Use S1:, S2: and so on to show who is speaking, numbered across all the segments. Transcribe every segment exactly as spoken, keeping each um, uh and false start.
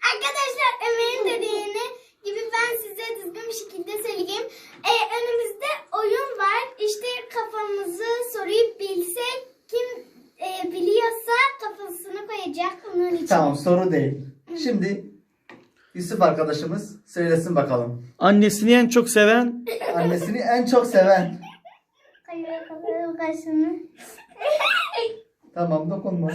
S1: Arkadaşlar Ömer'in dediğini gibi ben size düzgün bir şekilde söyleyeyim. Ee, önümüzde oyun var. İşte kafamızı soruyu bilsek kim e, biliyorsa kafasını koyacak onun için.
S2: Tamam, soru değil. Şimdi Yusuf arkadaşımız söylesin bakalım.
S3: Annesini en çok seven,
S2: Annesini en çok seven.
S1: Koyuyor kafasını kaşını.
S2: Tamam, dokunma.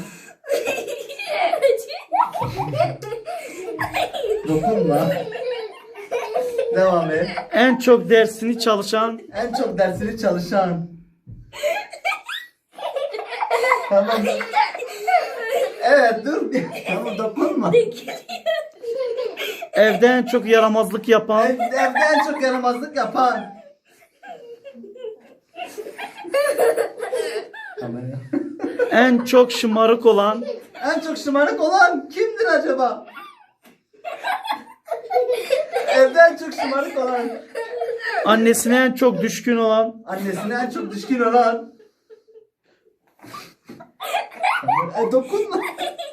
S2: Dokunma. Devam et.
S3: en çok dersini çalışan,
S2: En çok dersini çalışan. Tamam. Evet, dur. Tamam, dokunma.
S3: evde en çok yaramazlık yapan,
S2: Ev- Evde en çok yaramazlık yapan. Kameraya.
S3: en çok şımarık olan,
S2: En çok şımarık olan kimdir acaba? Evde en çok şımarık olan.
S3: annesine en çok düşkün olan,
S2: Annesine en çok düşkün olan. E, dokunma.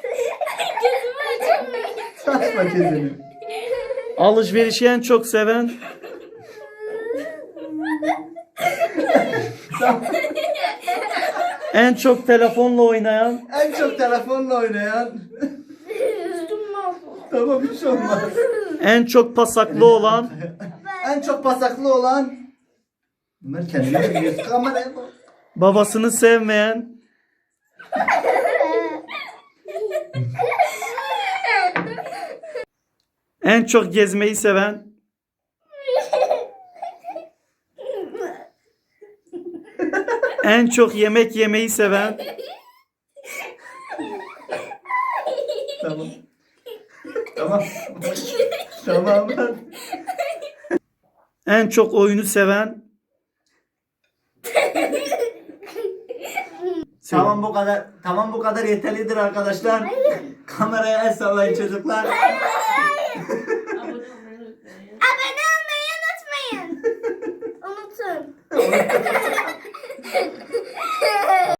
S2: Açma gözünü.
S3: alışverişi en çok seven,
S2: Tamam.
S3: en çok telefonla oynayan,
S2: En çok telefonla oynayan. Tamam, hiç olmaz.
S3: en çok pasaklı olan,
S2: En çok pasaklı olan. Bunlar kendine biliyorsun. Kameraya bak.
S3: babasını sevmeyen, en çok gezmeyi seven, en çok yemek yemeyi seven,
S2: Tamam. Tamam. Tamam.
S3: en çok oyunu seven.
S2: Tamam, bu kadar. Tamam, bu kadar yeterlidir arkadaşlar. Kameraya el sallayın çocuklar.